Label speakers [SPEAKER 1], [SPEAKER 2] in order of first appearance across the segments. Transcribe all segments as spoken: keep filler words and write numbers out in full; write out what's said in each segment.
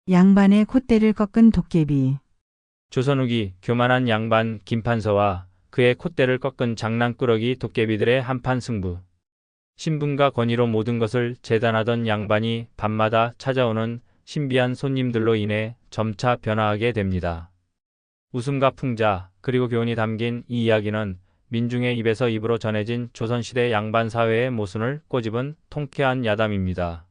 [SPEAKER 1] 양반의 콧대를 꺾은 도깨비.
[SPEAKER 2] 조선 후기 교만한 양반 김판서와 그의 콧대를 꺾은 장난꾸러기 도깨비들의 한판 승부. 신분과 권위로 모든 것을 재단하던 양반이 밤마다 찾아오는 신비한 손님들로 인해 점차 변화하게 됩니다. 웃음과 풍자, 그리고 교훈이 담긴 이 이야기는 민중의 입에서 입으로 전해진 조선시대 양반 사회의 모순을 꼬집은 통쾌한 야담입니다.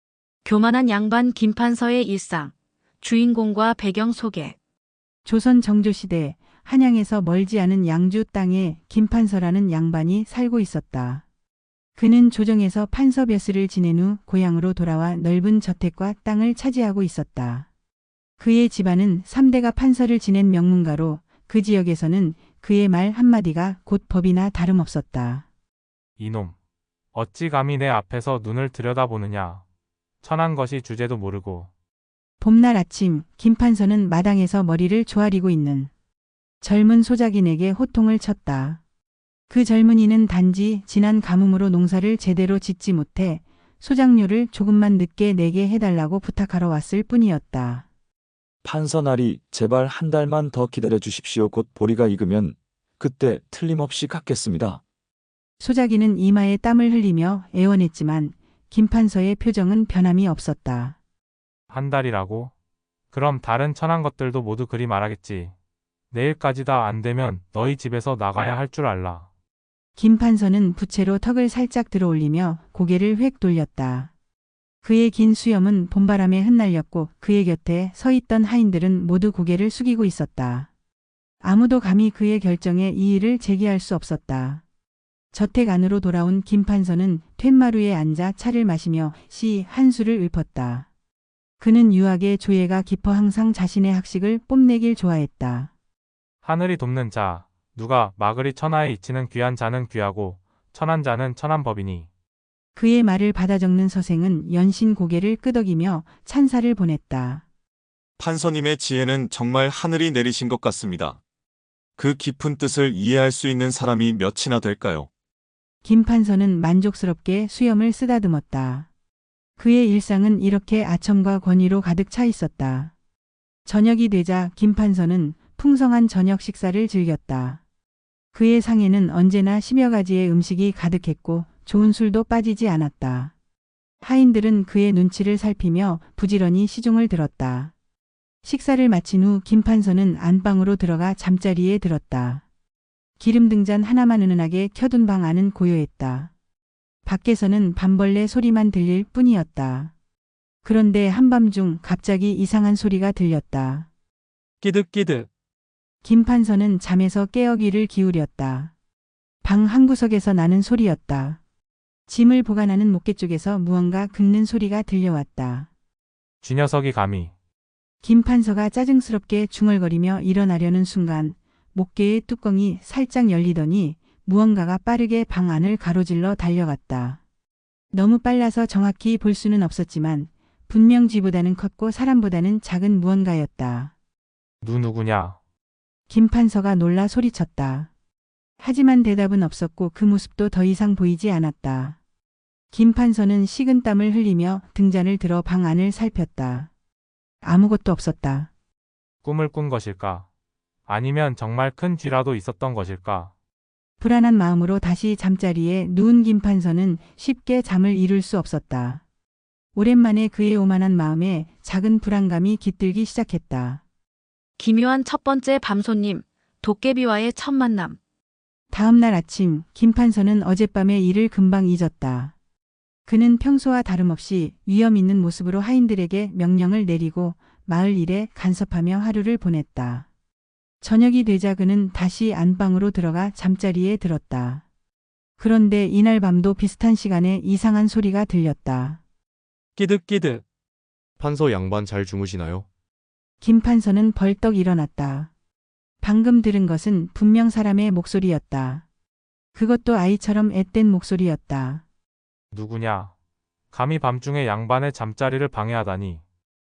[SPEAKER 3] 교만한 양반 김판서의 일상, 주인공과 배경 소개.
[SPEAKER 1] 조선 정조시대 한양에서 멀지 않은 양주 땅에 김판서라는 양반이 살고 있었다. 그는 조정에서 판서벼슬을 지낸 후 고향으로 돌아와 넓은 저택과 땅을 차지하고 있었다. 그의 집안은 삼 대가 판서를 지낸 명문가로 그 지역에서는 그의 말 한마디가 곧 법이나 다름없었다.
[SPEAKER 4] 이놈, 어찌 감히 내 앞에서 눈을 들여다보느냐. 천한 것이 주제도 모르고.
[SPEAKER 1] 봄날 아침 김판서는 마당에서 머리를 조아리고 있는 젊은 소작인에게 호통을 쳤다. 그 젊은이는 단지 지난 가뭄으로 농사를 제대로 짓지 못해 소작료를 조금만 늦게 내게 해달라고 부탁하러 왔을 뿐이었다.
[SPEAKER 5] 판서나리 제발 한 달만 더 기다려 주십시오. 곧 보리가 익으면 그때 틀림없이 갚겠습니다.
[SPEAKER 1] 소작이는 이마에 땀을 흘리며 애원했지만 김판서의 표정은 변함이 없었다.
[SPEAKER 4] 한 달이라고? 그럼 다른 천한 것들도 모두 그리 말하겠지. 내일까지 다 안 되면 너희 집에서 나가야 할 줄 알라.
[SPEAKER 1] 김판서는 부채로 턱을 살짝 들어올리며 고개를 획 돌렸다. 그의 긴 수염은 봄바람에 흩날렸고 그의 곁에 서 있던 하인들은 모두 고개를 숙이고 있었다. 아무도 감히 그의 결정에 이의를 제기할 수 없었다. 저택 안으로 돌아온 김판서는 툇마루에 앉아 차를 마시며 시 한 수를 읊었다. 그는 유학의 조예가 깊어 항상 자신의 학식을 뽐내길 좋아했다.
[SPEAKER 4] 하늘이 돕는 자, 누가 마그리 천하에 이치는 귀한 자는 귀하고 천한 자는 천한 법이니.
[SPEAKER 1] 그의 말을 받아 적는 서생은 연신 고개를 끄덕이며 찬사를 보냈다.
[SPEAKER 6] 판서님의 지혜는 정말 하늘이 내리신 것 같습니다. 그 깊은 뜻을 이해할 수 있는 사람이 몇이나 될까요?
[SPEAKER 1] 김판서는 만족스럽게 수염을 쓰다듬었다. 그의 일상은 이렇게 아첨과 권위로 가득 차 있었다. 저녁이 되자 김판서는 풍성한 저녁 식사를 즐겼다. 그의 상에는 언제나 십여 가지의 음식이 가득했고 좋은 술도 빠지지 않았다. 하인들은 그의 눈치를 살피며 부지런히 시중을 들었다. 식사를 마친 후 김판서는 안방으로 들어가 잠자리에 들었다. 기름 등잔 하나만 은은하게 켜둔 방 안은 고요했다. 밖에서는 밤벌레 소리만 들릴 뿐이었다. 그런데 한밤중 갑자기 이상한 소리가 들렸다.
[SPEAKER 4] 끼득끼득.
[SPEAKER 1] 김판서는 잠에서 깨어 귀를 기울였다. 방 한구석에서 나는 소리였다. 짐을 보관하는 목계 쪽에서 무언가 긁는 소리가 들려왔다.
[SPEAKER 4] 쥐녀석이 감히.
[SPEAKER 1] 김판서가 짜증스럽게 중얼거리며 일어나려는 순간 목계의 뚜껑이 살짝 열리더니 무언가가 빠르게 방 안을 가로질러 달려갔다. 너무 빨라서 정확히 볼 수는 없었지만 분명 쥐보다는 컸고 사람보다는 작은 무언가였다.
[SPEAKER 4] 누 누구냐?
[SPEAKER 1] 김판서가 놀라 소리쳤다. 하지만 대답은 없었고 그 모습도 더 이상 보이지 않았다. 김판서는 식은땀을 흘리며 등잔을 들어 방 안을 살폈다. 아무것도 없었다.
[SPEAKER 4] 꿈을 꾼 것일까? 아니면 정말 큰 쥐라도 있었던 것일까?
[SPEAKER 1] 불안한 마음으로 다시 잠자리에 누운 김판서는 쉽게 잠을 이룰 수 없었다. 오랜만에 그의 오만한 마음에 작은 불안감이 깃들기 시작했다.
[SPEAKER 3] 기묘한 첫 번째 밤손님, 도깨비와의 첫 만남.
[SPEAKER 1] 다음 날 아침 김판서는 어젯밤의 일을 금방 잊었다. 그는 평소와 다름없이 위험 있는 모습으로 하인들에게 명령을 내리고 마을 일에 간섭하며 하루를 보냈다. 저녁이 되자 그는 다시 안방으로 들어가 잠자리에 들었다. 그런데 이날 밤도 비슷한 시간에 이상한 소리가 들렸다.
[SPEAKER 4] 끼득끼득.
[SPEAKER 7] 판서 양반 잘 주무시나요?
[SPEAKER 1] 김판서는 벌떡 일어났다. 방금 들은 것은 분명 사람의 목소리였다. 그것도 아이처럼 앳된 목소리였다.
[SPEAKER 4] 누구냐? 감히 밤중에 양반의 잠자리를 방해하다니.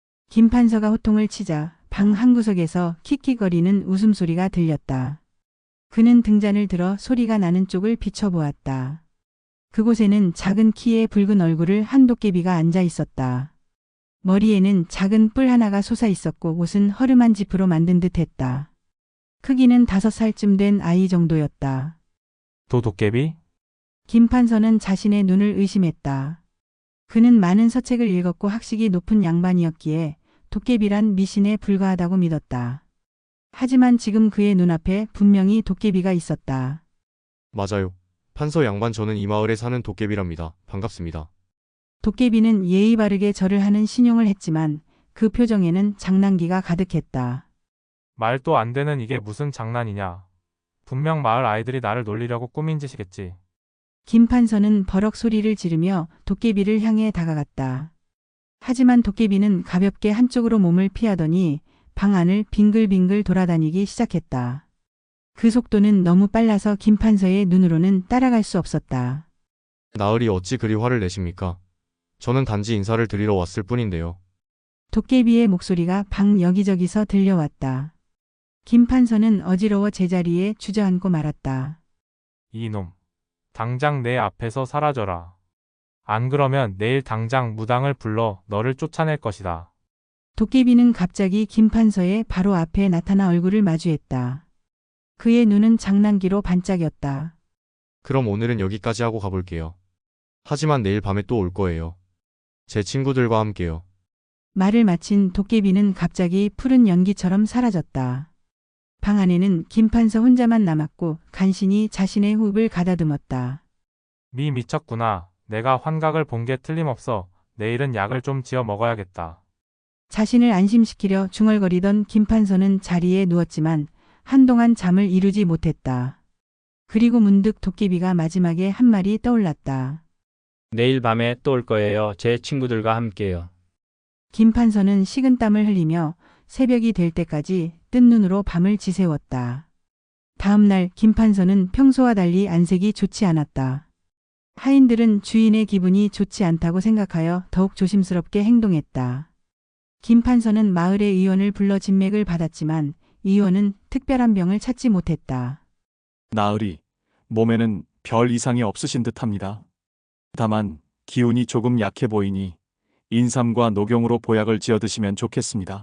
[SPEAKER 1] 김판서가 호통을 치자 방 한구석에서 킥킥거리는 웃음소리가 들렸다. 그는 등잔을 들어 소리가 나는 쪽을 비춰보았다. 그곳에는 작은 키에 붉은 얼굴을 한 도깨비가 앉아 있었다. 머리에는 작은 뿔 하나가 솟아 있었고 옷은 허름한 지프로 만든 듯했다. 크기는 다섯 살쯤 된 아이 정도였다.
[SPEAKER 4] 도 도깨비?
[SPEAKER 1] 김 판서는 자신의 눈을 의심했다. 그는 많은 서책을 읽었고 학식이 높은 양반이었기에 도깨비란 미신에 불과하다고 믿었다. 하지만 지금 그의 눈앞에 분명히 도깨비가 있었다.
[SPEAKER 7] 맞아요. 판서 양반 저는 이 마을에 사는 도깨비랍니다. 반갑습니다.
[SPEAKER 1] 도깨비는 예의 바르게 절을 하는 신용을 했지만 그 표정에는 장난기가 가득했다.
[SPEAKER 4] 말도 안 되는 이게 무슨 장난이냐. 분명 마을 아이들이 나를 놀리려고 꾸민 짓이겠지.
[SPEAKER 1] 김 판서는 버럭 소리를 지르며 도깨비를 향해 다가갔다. 하지만 도깨비는 가볍게 한쪽으로 몸을 피하더니 방 안을 빙글빙글 돌아다니기 시작했다. 그 속도는 너무 빨라서 김 판서의 눈으로는 따라갈 수 없었다.
[SPEAKER 7] 나으리 어찌 그리 화를 내십니까? 저는 단지 인사를 드리러 왔을 뿐인데요.
[SPEAKER 1] 도깨비의 목소리가 방 여기저기서 들려왔다. 김 판서는 어지러워 제자리에 주저앉고 말았다.
[SPEAKER 4] 이놈. 당장 내 앞에서 사라져라. 안 그러면 내일 당장 무당을 불러 너를 쫓아낼 것이다.
[SPEAKER 1] 도깨비는 갑자기 김 판서의 바로 앞에 나타나 얼굴을 마주했다. 그의 눈은 장난기로 반짝였다.
[SPEAKER 7] 그럼 오늘은 여기까지 하고 가볼게요. 하지만 내일 밤에 또 올 거예요. 제 친구들과 함께요.
[SPEAKER 1] 말을 마친 도깨비는 갑자기 푸른 연기처럼 사라졌다. 방 안에는 김 판서 혼자만 남았고 간신히 자신의 호흡을 가다듬었다.
[SPEAKER 4] 미 미쳤구나. 내가 환각을 본 게 틀림없어. 내일은 약을 좀 지어 먹어야겠다.
[SPEAKER 1] 자신을 안심시키려 중얼거리던 김 판서는 자리에 누웠지만 한동안 잠을 이루지 못했다. 그리고 문득 도깨비가 마지막에 한 말이 떠올랐다.
[SPEAKER 2] 내일 밤에 또 올 거예요. 제 친구들과 함께요.
[SPEAKER 1] 김 판서는 식은땀을 흘리며 새벽이 될 때까지 뜬 눈으로 밤을 지새웠다. 다음 날 김 판서는 평소와 달리 안색이 좋지 않았다. 하인들은 주인의 기분이 좋지 않다고 생각하여 더욱 조심스럽게 행동했다. 김 판서는 마을의 의원을 불러 진맥을 받았지만 의원은 특별한 병을 찾지 못했다.
[SPEAKER 8] 나으리, 몸에는 별 이상이 없으신 듯합니다. 다만 기운이 조금 약해 보이니 인삼과 녹용으로 보약을 지어 드시면 좋겠습니다.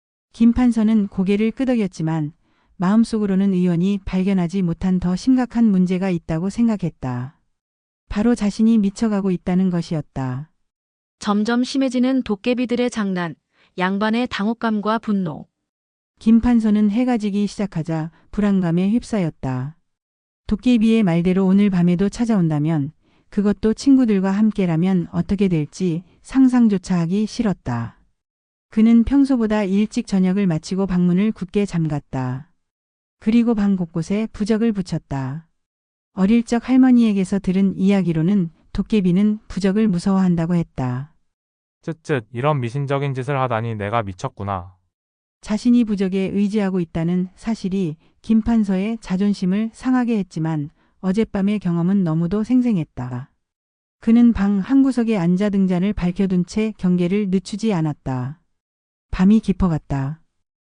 [SPEAKER 1] 김 판서는 고개를 끄덕였지만 마음속으로는 의원이 발견하지 못한 더 심각한 문제가 있다고 생각했다. 바로 자신이 미쳐가고 있다는 것이었다.
[SPEAKER 3] 점점 심해지는 도깨비들의 장난, 양반의 당혹감과 분노.
[SPEAKER 1] 김 판서는 해가 지기 시작하자 불안감에 휩싸였다. 도깨비의 말대로 오늘 밤에도 찾아온다면 그것도 친구들과 함께라면 어떻게 될지 상상조차 하기 싫었다. 그는 평소보다 일찍 저녁을 마치고 방문을 굳게 잠갔다. 그리고 방 곳곳에 부적을 붙였다. 어릴 적 할머니에게서 들은 이야기로는 도깨비는 부적을 무서워한다고 했다.
[SPEAKER 4] 쯧쯧, 이런 미신적인 짓을 하다니 내가 미쳤구나.
[SPEAKER 1] 자신이 부적에 의지하고 있다는 사실이 김 판서의 자존심을 상하게 했지만 어젯밤의 경험은 너무도 생생했다. 그는 방 한구석에 앉아 등잔을 밝혀둔 채 경계를 늦추지 않았다. 밤이 깊어갔다.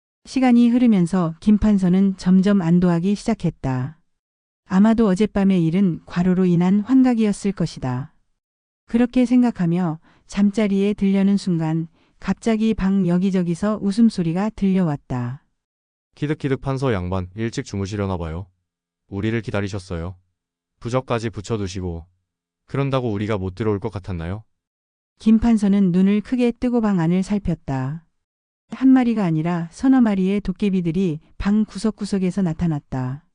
[SPEAKER 1] 시간이 흐르면서 김 판서는 점점 안도하기 시작했다. 아마도 어젯밤의 일은 과로로 인한 환각이었을 것이다. 그렇게 생각하며 잠자리에 들려는 순간 갑자기 방 여기저기서 웃음소리가 들려왔다.
[SPEAKER 7] 키득키득 판서 양반 일찍 주무시려나 봐요. 우리를 기다리셨어요. 부적까지 붙여두시고. 그런다고 우리가 못 들어올 것 같았나요?
[SPEAKER 1] 김 판서는 눈을 크게 뜨고 방 안을 살폈다. 한 마리가 아니라 서너 마리의 도깨비들이 방 구석구석에서 나타났다.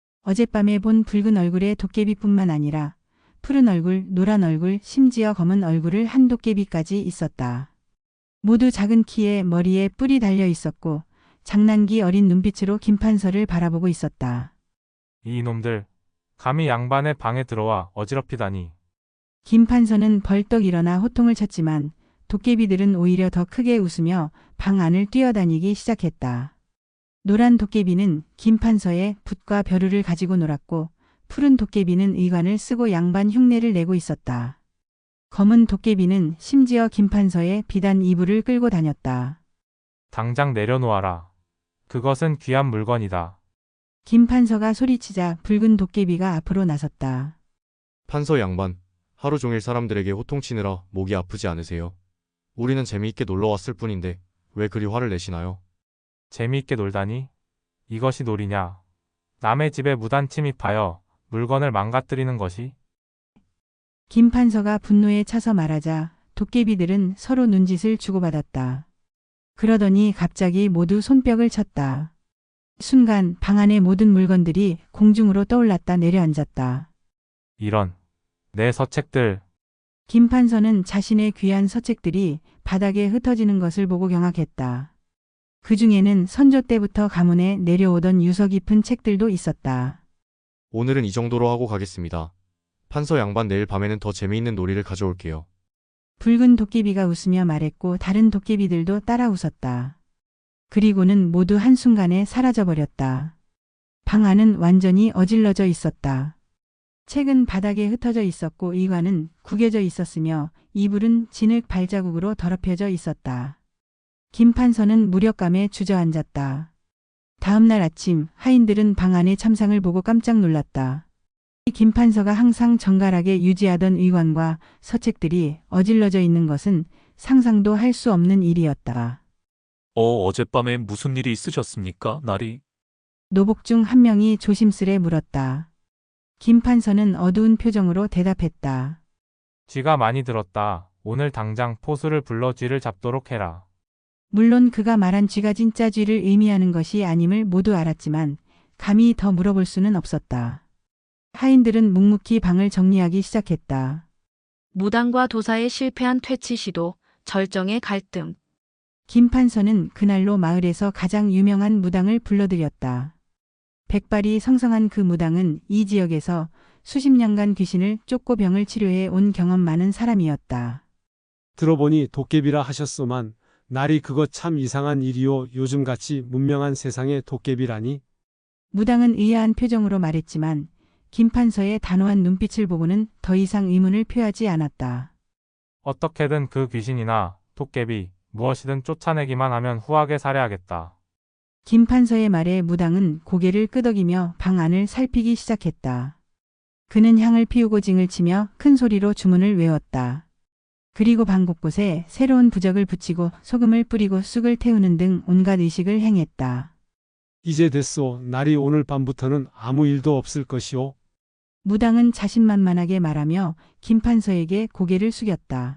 [SPEAKER 1] 어젯밤에 본 붉은 얼굴의 도깨비뿐만 아니라 푸른 얼굴, 노란 얼굴, 심지어 검은 얼굴을 한 도깨비까지 있었다. 모두 작은 키에 머리에 뿔이 달려 있었고 장난기 어린 눈빛으로 김 판서를 바라보고 있었다.
[SPEAKER 4] 이 놈들, 감히 양반의 방에 들어와 어지럽히다니.
[SPEAKER 1] 김 판서는 벌떡 일어나 호통을 쳤지만 도깨비들은 오히려 더 크게 웃으며 방 안을 뛰어다니기 시작했다. 노란 도깨비는 김 판서의 붓과 벼루를 가지고 놀았고 푸른 도깨비는 의관을 쓰고 양반 흉내를 내고 있었다. 검은 도깨비는 심지어 김 판서의 비단 이불을 끌고 다녔다.
[SPEAKER 4] 당장 내려놓아라. 그것은 귀한 물건이다.
[SPEAKER 1] 김 판서가 소리치자 붉은 도깨비가 앞으로 나섰다.
[SPEAKER 7] 판서 양반, 하루 종일 사람들에게 호통치느라 목이 아프지 않으세요? 우리는 재미있게 놀러 왔을 뿐인데 왜 그리 화를 내시나요?
[SPEAKER 4] 재미있게 놀다니? 이것이 놀이냐? 남의 집에 무단 침입하여 물건을 망가뜨리는 것이?
[SPEAKER 1] 김판서가 분노에 차서 말하자 도깨비들은 서로 눈짓을 주고받았다. 그러더니 갑자기 모두 손뼉을 쳤다. 순간 방 안의 모든 물건들이 공중으로 떠올랐다 내려앉았다.
[SPEAKER 4] 이런, 내 서책들.
[SPEAKER 1] 김판서는 자신의 귀한 서책들이 바닥에 흩어지는 것을 보고 경악했다. 그 중에는 선조 때부터 가문에 내려오던 유서 깊은 책들도 있었다.
[SPEAKER 7] 오늘은 이 정도로 하고 가겠습니다. 판서 양반 내일 밤에는 더 재미있는 놀이를 가져올게요.
[SPEAKER 1] 붉은 도깨비가 웃으며 말했고 다른 도깨비들도 따라 웃었다. 그리고는 모두 한순간에 사라져버렸다. 방 안은 완전히 어질러져 있었다. 책은 바닥에 흩어져 있었고 의관은 구겨져 있었으며 이불은 진흙 발자국으로 더럽혀져 있었다. 김판서는 무력감에 주저앉았다. 다음 날 아침 하인들은 방 안의 참상을 보고 깜짝 놀랐다. 김판서가 항상 정갈하게 유지하던 의관과 서책들이 어질러져 있는 것은 상상도 할 수 없는 일이었다.
[SPEAKER 9] 어, 어젯밤에 무슨 일이 있으셨습니까, 나리?
[SPEAKER 1] 노복 중 한 명이 조심스레 물었다. 김판서는 어두운 표정으로 대답했다.
[SPEAKER 4] 쥐가 많이 들었다. 오늘 당장 포수를 불러 쥐를 잡도록 해라.
[SPEAKER 1] 물론 그가 말한 쥐가 진짜 쥐를 의미하는 것이 아님을 모두 알았지만 감히 더 물어볼 수는 없었다. 하인들은 묵묵히 방을 정리하기 시작했다.
[SPEAKER 3] 무당과 도사의 실패한 퇴치 시도, 절정의 갈등.
[SPEAKER 1] 김판서는 그날로 마을에서 가장 유명한 무당을 불러들였다. 백발이 성성한 그 무당은 이 지역에서 수십 년간 귀신을 쫓고 병을 치료해 온 경험 많은 사람이었다.
[SPEAKER 10] 들어보니 도깨비라 하셨소만 날이 그거 참 이상한 일이요. 요즘같이 문명한 세상에 도깨비라니.
[SPEAKER 1] 무당은 의아한 표정으로 말했지만 김판서의 단호한 눈빛을 보고는 더 이상 의문을 표하지 않았다.
[SPEAKER 4] 어떻게든 그 귀신이나 도깨비 무엇이든 쫓아내기만 하면 후하게 살해하겠다.
[SPEAKER 1] 김판서의 말에 무당은 고개를 끄덕이며 방 안을 살피기 시작했다. 그는 향을 피우고 징을 치며 큰 소리로 주문을 외웠다. 그리고 방 곳곳에 새로운 부적을 붙이고 소금을 뿌리고 쑥을 태우는 등 온갖 의식을 행했다.
[SPEAKER 10] 이제 됐소. 날이 오늘 밤부터는 아무 일도 없을 것이오.
[SPEAKER 1] 무당은 자신만만하게 말하며 김판서에게 고개를 숙였다.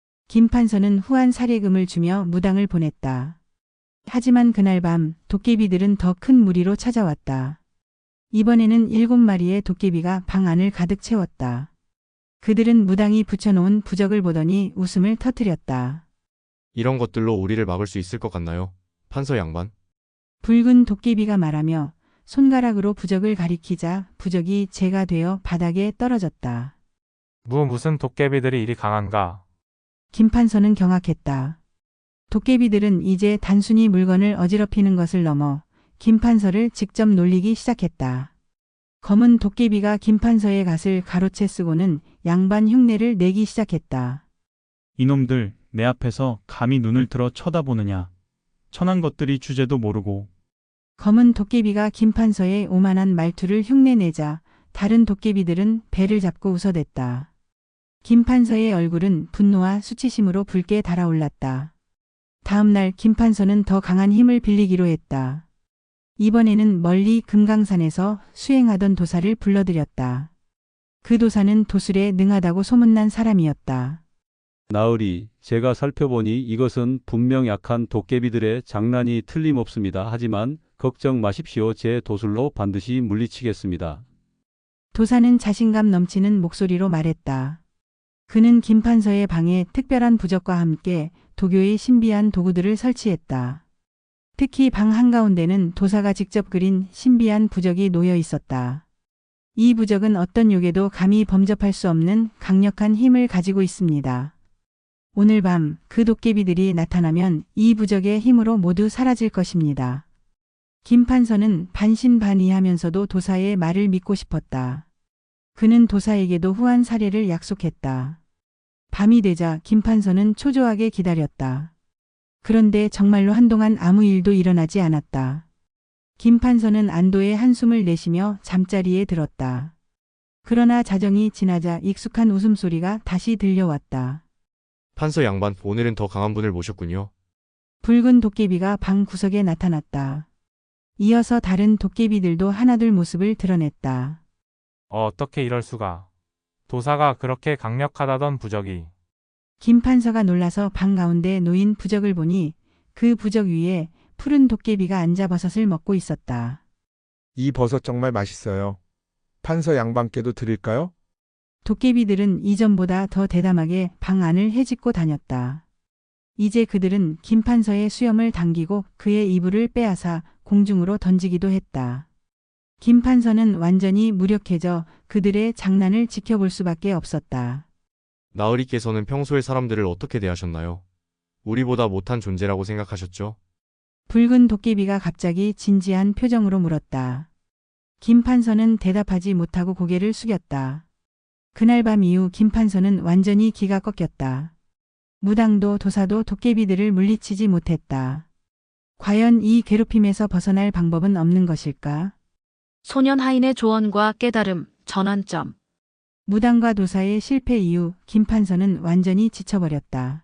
[SPEAKER 1] 김판서는 후한 살해금을 주며 무당을 보냈다. 하지만 그날 밤 도깨비들은 더 큰 무리로 찾아왔다. 이번에는 일곱 마리의 도깨비가 방 안을 가득 채웠다. 그들은 무당이 붙여놓은 부적을 보더니 웃음을 터뜨렸다.
[SPEAKER 7] 이런 것들로 우리를 막을 수 있을 것 같나요? 판서 양반?
[SPEAKER 1] 붉은 도깨비가 말하며 손가락으로 부적을 가리키자 부적이 재가 되어 바닥에 떨어졌다.
[SPEAKER 4] 무 무슨 도깨비들이 이리 강한가?
[SPEAKER 1] 김판서는 경악했다. 도깨비들은 이제 단순히 물건을 어지럽히는 것을 넘어 김판서를 직접 놀리기 시작했다. 검은 도깨비가 김판서의 갓을 가로채 쓰고는 양반 흉내를 내기 시작했다.
[SPEAKER 11] 이놈들 내 앞에서 감히 눈을 들어 쳐다보느냐. 천한 것들이 주제도 모르고.
[SPEAKER 1] 검은 도깨비가 김판서의 오만한 말투를 흉내내자 다른 도깨비들은 배를 잡고 웃어댔다. 김판서의 얼굴은 분노와 수치심으로 붉게 달아올랐다. 다음 날 김판서는 더 강한 힘을 빌리기로 했다. 이번에는 멀리 금강산에서 수행하던 도사를 불러들였다. 그 도사는 도술에 능하다고 소문난 사람이었다.
[SPEAKER 12] 나으리, 제가 살펴보니 이것은 분명 약한 도깨비들의 장난이 틀림없습니다. 하지만 걱정 마십시오. 제 도술로 반드시 물리치겠습니다.
[SPEAKER 1] 도사는 자신감 넘치는 목소리로 말했다. 그는 김판서의 방에 특별한 부적과 함께 도교의 신비한 도구들을 설치했다. 특히 방 한가운데는 도사가 직접 그린 신비한 부적이 놓여 있었다. 이 부적은 어떤 욕에도 감히 범접할 수 없는 강력한 힘을 가지고 있습니다. 오늘 밤 그 도깨비들이 나타나면 이 부적의 힘으로 모두 사라질 것입니다. 김판서는 반신반의하면서도 도사의 말을 믿고 싶었다. 그는 도사에게도 후한 살해를 약속했다. 밤이 되자 김판서는 초조하게 기다렸다. 그런데 정말로 한동안 아무 일도 일어나지 않았다. 김판서는 안도의 한숨을 내쉬며 잠자리에 들었다. 그러나 자정이 지나자 익숙한 웃음소리가 다시 들려왔다.
[SPEAKER 7] 판서 양반, 오늘은 더 강한 분을 모셨군요.
[SPEAKER 1] 붉은 도깨비가 방 구석에 나타났다. 이어서 다른 도깨비들도 하나둘 모습을 드러냈다.
[SPEAKER 4] 어, 어떻게 이럴 수가. 도사가 그렇게 강력하다던 부적이.
[SPEAKER 1] 김판서가 놀라서 방 가운데 놓인 부적을 보니 그 부적 위에 푸른 도깨비가 앉아 버섯을 먹고 있었다.
[SPEAKER 13] 이 버섯 정말 맛있어요. 판서 양반께도 드릴까요?
[SPEAKER 1] 도깨비들은 이전보다 더 대담하게 방 안을 헤집고 다녔다. 이제 그들은 김판서의 수염을 당기고 그의 이불을 빼앗아 공중으로 던지기도 했다. 김판서는 완전히 무력해져 그들의 장난을 지켜볼 수밖에 없었다.
[SPEAKER 7] 나으리께서는 평소에 사람들을 어떻게 대하셨나요? 우리보다 못한 존재라고 생각하셨죠?
[SPEAKER 1] 붉은 도깨비가 갑자기 진지한 표정으로 물었다. 김판서는 대답하지 못하고 고개를 숙였다. 그날 밤 이후 김판서는 완전히 기가 꺾였다. 무당도 도사도 도깨비들을 물리치지 못했다. 과연 이 괴롭힘에서 벗어날 방법은 없는 것일까?
[SPEAKER 3] 소년 하인의 조언과 깨달음, 전환점.
[SPEAKER 1] 무당과 도사의 실패 이후 김판서는 완전히 지쳐버렸다.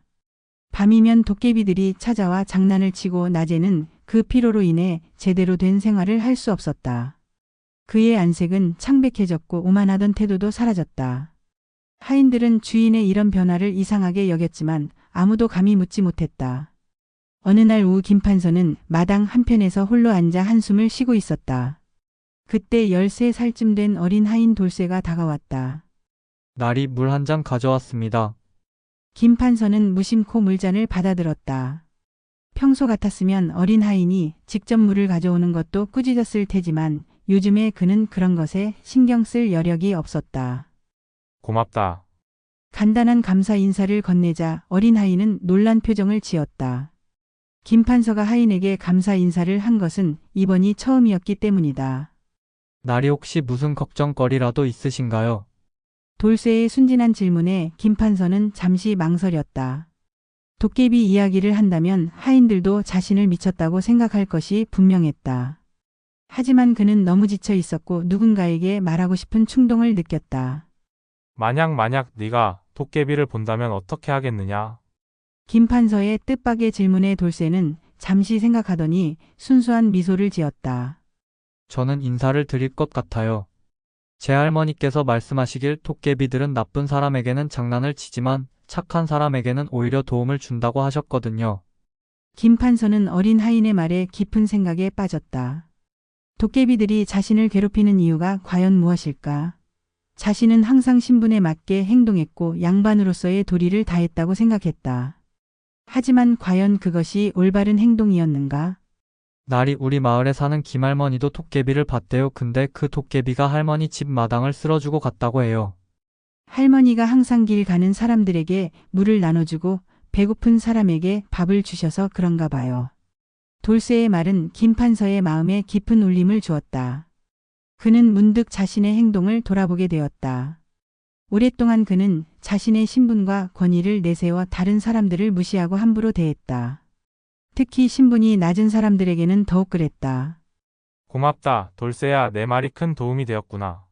[SPEAKER 1] 밤이면 도깨비들이 찾아와 장난을 치고 낮에는 그 피로로 인해 제대로 된 생활을 할 수 없었다. 그의 안색은 창백해졌고 오만하던 태도도 사라졌다. 하인들은 주인의 이런 변화를 이상하게 여겼지만 아무도 감히 묻지 못했다. 어느 날 오후 김판서는 마당 한편에서 홀로 앉아 한숨을 쉬고 있었다. 그때 열세 살쯤 된 어린 하인 돌쇠가 다가왔다.
[SPEAKER 14] 날이 물 한 잔 가져왔습니다.
[SPEAKER 1] 김판서는 무심코 물잔을 받아들었다. 평소 같았으면 어린 하인이 직접 물을 가져오는 것도 꾸짖었을 테지만 요즘에 그는 그런 것에 신경 쓸 여력이 없었다.
[SPEAKER 4] 고맙다.
[SPEAKER 1] 간단한 감사 인사를 건네자 어린 하인은 놀란 표정을 지었다. 김판서가 하인에게 감사 인사를 한 것은 이번이 처음이었기 때문이다.
[SPEAKER 14] 날이 혹시 무슨 걱정거리라도 있으신가요?
[SPEAKER 1] 돌쇠의 순진한 질문에 김판서는 잠시 망설였다. 도깨비 이야기를 한다면 하인들도 자신을 미쳤다고 생각할 것이 분명했다. 하지만 그는 너무 지쳐 있었고 누군가에게 말하고 싶은 충동을 느꼈다.
[SPEAKER 4] 만약 만약 네가 도깨비를 본다면 어떻게 하겠느냐?
[SPEAKER 1] 김판서의 뜻밖의 질문에 돌쇠는 잠시 생각하더니 순수한 미소를 지었다.
[SPEAKER 14] 저는 인사를 드릴 것 같아요. 제 할머니께서 말씀하시길 도깨비들은 나쁜 사람에게는 장난을 치지만 착한 사람에게는 오히려 도움을 준다고 하셨거든요.
[SPEAKER 1] 김판서는 어린 하인의 말에 깊은 생각에 빠졌다. 도깨비들이 자신을 괴롭히는 이유가 과연 무엇일까? 자신은 항상 신분에 맞게 행동했고 양반으로서의 도리를 다했다고 생각했다. 하지만 과연 그것이 올바른 행동이었는가?
[SPEAKER 14] 날이 우리 마을에 사는 김할머니도 도깨비를 봤대요. 근데 그 도깨비가 할머니 집 마당을 쓸어주고 갔다고 해요.
[SPEAKER 1] 할머니가 항상 길 가는 사람들에게 물을 나눠주고 배고픈 사람에게 밥을 주셔서 그런가 봐요. 돌쇠의 말은 김판서의 마음에 깊은 울림을 주었다. 그는 문득 자신의 행동을 돌아보게 되었다. 오랫동안 그는 자신의 신분과 권위를 내세워 다른 사람들을 무시하고 함부로 대했다. 특히 신분이 낮은 사람들에게는 더욱 그랬다.
[SPEAKER 4] 고맙다, 돌쇠야. 내 말이 큰 도움이 되었구나.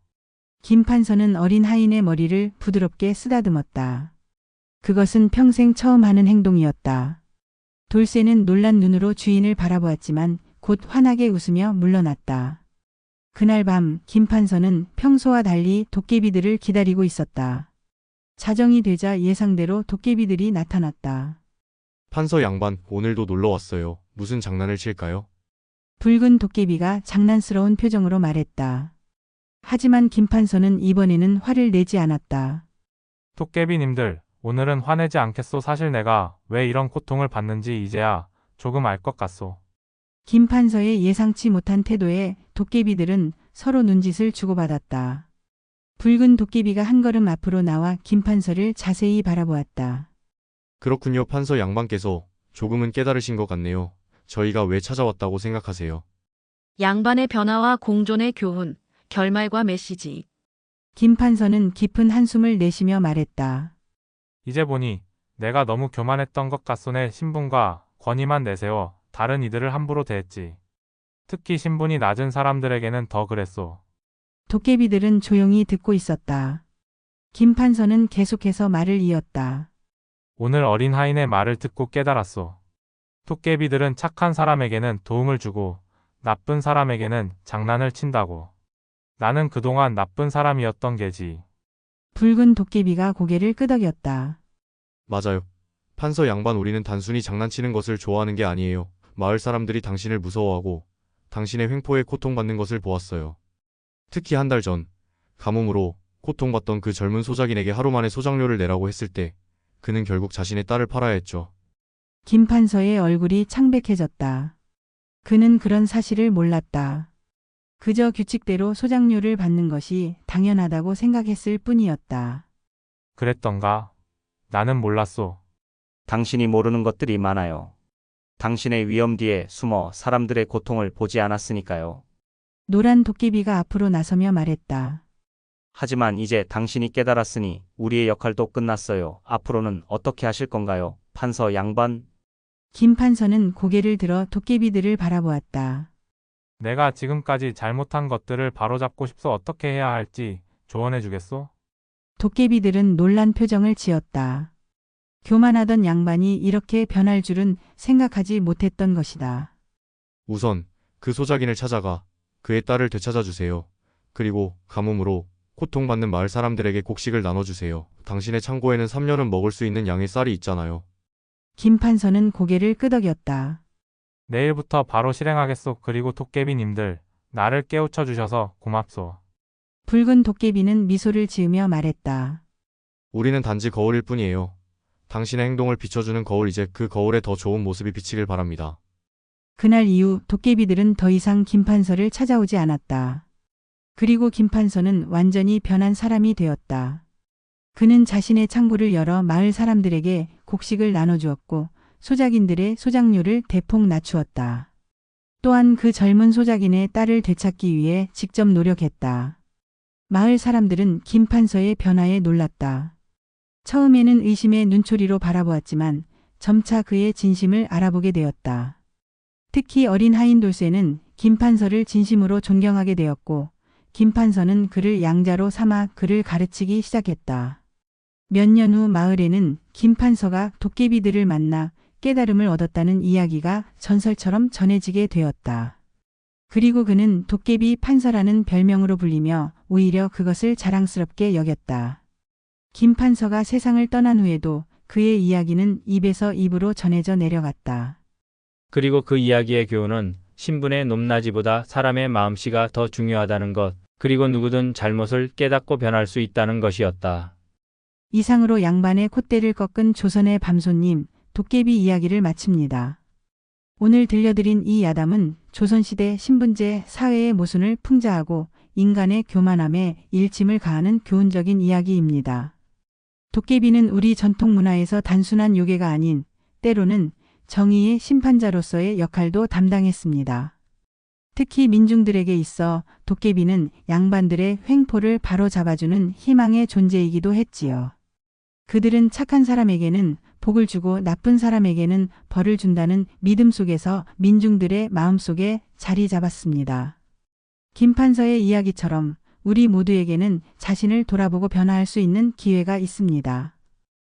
[SPEAKER 1] 김판서는 어린 하인의 머리를 부드럽게 쓰다듬었다. 그것은 평생 처음 하는 행동이었다. 돌쇠는 놀란 눈으로 주인을 바라보았지만 곧 환하게 웃으며 물러났다. 그날 밤 김판서는 평소와 달리 도깨비들을 기다리고 있었다. 자정이 되자 예상대로 도깨비들이 나타났다.
[SPEAKER 7] 판서 양반, 오늘도 놀러 왔어요. 무슨 장난을 칠까요?
[SPEAKER 1] 붉은 도깨비가 장난스러운 표정으로 말했다. 하지만 김판서는 이번에는 화를 내지 않았다.
[SPEAKER 4] 도깨비님들, 오늘은 화내지 않겠소. 사실 내가 왜 이런 고통을 받는지 이제야 조금 알 것 같소.
[SPEAKER 1] 김판서의 예상치 못한 태도에 도깨비들은 서로 눈짓을 주고받았다. 붉은 도깨비가 한 걸음 앞으로 나와 김판서를 자세히 바라보았다.
[SPEAKER 7] 그렇군요. 판서 양반께서 조금은 깨달으신 것 같네요. 저희가 왜 찾아왔다고 생각하세요?
[SPEAKER 3] 양반의 변화와 공존의 교훈, 결말과 메시지.
[SPEAKER 1] 김판서는 깊은 한숨을 내쉬며 말했다.
[SPEAKER 4] 이제 보니 내가 너무 교만했던 것 같소. 내 신분과 권위만 내세워 다른 이들을 함부로 대했지. 특히 신분이 낮은 사람들에게는 더 그랬소.
[SPEAKER 1] 도깨비들은 조용히 듣고 있었다. 김판서는 계속해서 말을 이었다.
[SPEAKER 4] 오늘 어린 하인의 말을 듣고 깨달았소. 도깨비들은 착한 사람에게는 도움을 주고 나쁜 사람에게는 장난을 친다고. 나는 그동안 나쁜 사람이었던 게지.
[SPEAKER 1] 붉은 도깨비가 고개를 끄덕였다.
[SPEAKER 7] 맞아요. 판서 양반, 우리는 단순히 장난치는 것을 좋아하는 게 아니에요. 마을 사람들이 당신을 무서워하고 당신의 횡포에 고통받는 것을 보았어요. 특히 한 달 전 가뭄으로 고통받던 그 젊은 소작인에게 하루 만에 소작료를 내라고 했을 때 그는 결국 자신의 딸을 팔아야 했죠.
[SPEAKER 1] 김 판서의 얼굴이 창백해졌다. 그는 그런 사실을 몰랐다. 그저 규칙대로 소작료를 받는 것이 당연하다고 생각했을 뿐이었다.
[SPEAKER 4] 그랬던가? 나는 몰랐소.
[SPEAKER 15] 당신이 모르는 것들이 많아요. 당신의 위험 뒤에 숨어 사람들의 고통을 보지 않았으니까요.
[SPEAKER 1] 노란 도깨비가 앞으로 나서며 말했다.
[SPEAKER 15] 하지만 이제 당신이 깨달았으니 우리의 역할도 끝났어요. 앞으로는 어떻게 하실 건가요, 판서 양반?
[SPEAKER 1] 김 판서는 고개를 들어 도깨비들을 바라보았다.
[SPEAKER 4] 내가 지금까지 잘못한 것들을 바로잡고 싶소. 어떻게 해야 할지 조언해 주겠소?
[SPEAKER 1] 도깨비들은 놀란 표정을 지었다. 교만하던 양반이 이렇게 변할 줄은 생각하지 못했던 것이다.
[SPEAKER 7] 우선 그 소작인을 찾아가 그의 딸을 되찾아 주세요. 그리고 가뭄으로 고통받는 마을 사람들에게 곡식을 나눠주세요. 당신의 창고에는 삼 년은 먹을 수 있는 양의 쌀이 있잖아요.
[SPEAKER 1] 김 판서는 고개를 끄덕였다.
[SPEAKER 4] 내일부터 바로 실행하겠소. 그리고 도깨비님들, 나를 깨우쳐 주셔서 고맙소.
[SPEAKER 1] 붉은 도깨비는 미소를 지으며 말했다.
[SPEAKER 7] 우리는 단지 거울일 뿐이에요. 당신의 행동을 비춰주는 거울, 이제 그 거울에 더 좋은 모습이 비치길 바랍니다.
[SPEAKER 1] 그날 이후 도깨비들은 더 이상 김 판서를 찾아오지 않았다. 그리고 김 판서는 완전히 변한 사람이 되었다. 그는 자신의 창고를 열어 마을 사람들에게 곡식을 나눠주었고 소작인들의 소작료를 대폭 낮추었다. 또한 그 젊은 소작인의 딸을 되찾기 위해 직접 노력했다. 마을 사람들은 김 판서의 변화에 놀랐다. 처음에는 의심의 눈초리로 바라보았지만 점차 그의 진심을 알아보게 되었다. 특히 어린 하인 돌쇠는 김 판서를 진심으로 존경하게 되었고 김 판서는 그를 양자로 삼아 그를 가르치기 시작했다. 몇 년 후 마을에는 김 판서가 도깨비들을 만나 깨달음을 얻었다는 이야기가 전설처럼 전해지게 되었다. 그리고 그는 도깨비 판서라는 별명으로 불리며 오히려 그것을 자랑스럽게 여겼다. 김 판서가 세상을 떠난 후에도 그의 이야기는 입에서 입으로 전해져 내려갔다.
[SPEAKER 2] 그리고 그 이야기의 교훈은 신분의 높낮이보다 사람의 마음씨가 더 중요하다는 것, 그리고 누구든 잘못을 깨닫고 변할 수 있다는 것이었다.
[SPEAKER 1] 이상으로 양반의 콧대를 꺾은 조선의 밤손님, 도깨비 이야기를 마칩니다. 오늘 들려드린 이 야담은 조선시대 신분제 사회의 모순을 풍자하고 인간의 교만함에 일침을 가하는 교훈적인 이야기입니다. 도깨비는 우리 전통 문화에서 단순한 요괴가 아닌 때로는 정의의 심판자로서의 역할도 담당했습니다. 특히 민중들에게 있어 도깨비는 양반들의 횡포를 바로잡아주는 희망의 존재이기도 했지요. 그들은 착한 사람에게는 복을 주고 나쁜 사람에게는 벌을 준다는 믿음 속에서 민중들의 마음속에 자리 잡았습니다. 김 판서의 이야기처럼 우리 모두에게는 자신을 돌아보고 변화할 수 있는 기회가 있습니다.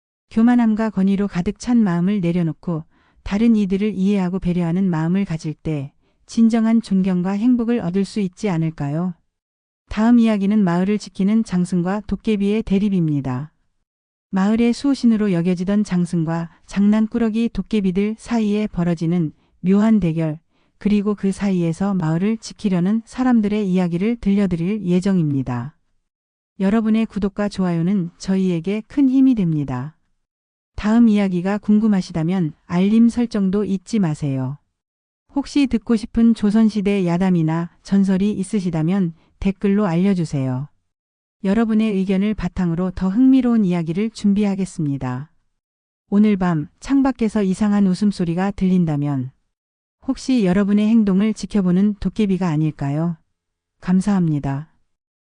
[SPEAKER 1] 교만함과 권위로 가득 찬 마음을 내려놓고 다른 이들을 이해하고 배려하는 마음을 가질 때 진정한 존경과 행복을 얻을 수 있지 않을까요? 다음 이야기는 마을을 지키는 장승과 도깨비의 대립입니다. 마을의 수호신으로 여겨지던 장승과 장난꾸러기 도깨비들 사이에 벌어지는 묘한 대결, 그리고 그 사이에서 마을을 지키려는 사람들의 이야기를 들려드릴 예정입니다. 여러분의 구독과 좋아요는 저희에게 큰 힘이 됩니다. 다음 이야기가 궁금하시다면 알림 설정도 잊지 마세요. 혹시 듣고 싶은 조선시대 야담이나 전설이 있으시다면 댓글로 알려주세요. 여러분의 의견을 바탕으로 더 흥미로운 이야기를 준비하겠습니다. 오늘 밤 창밖에서 이상한 웃음소리가 들린다면 혹시 여러분의 행동을 지켜보는 도깨비가 아닐까요? 감사합니다.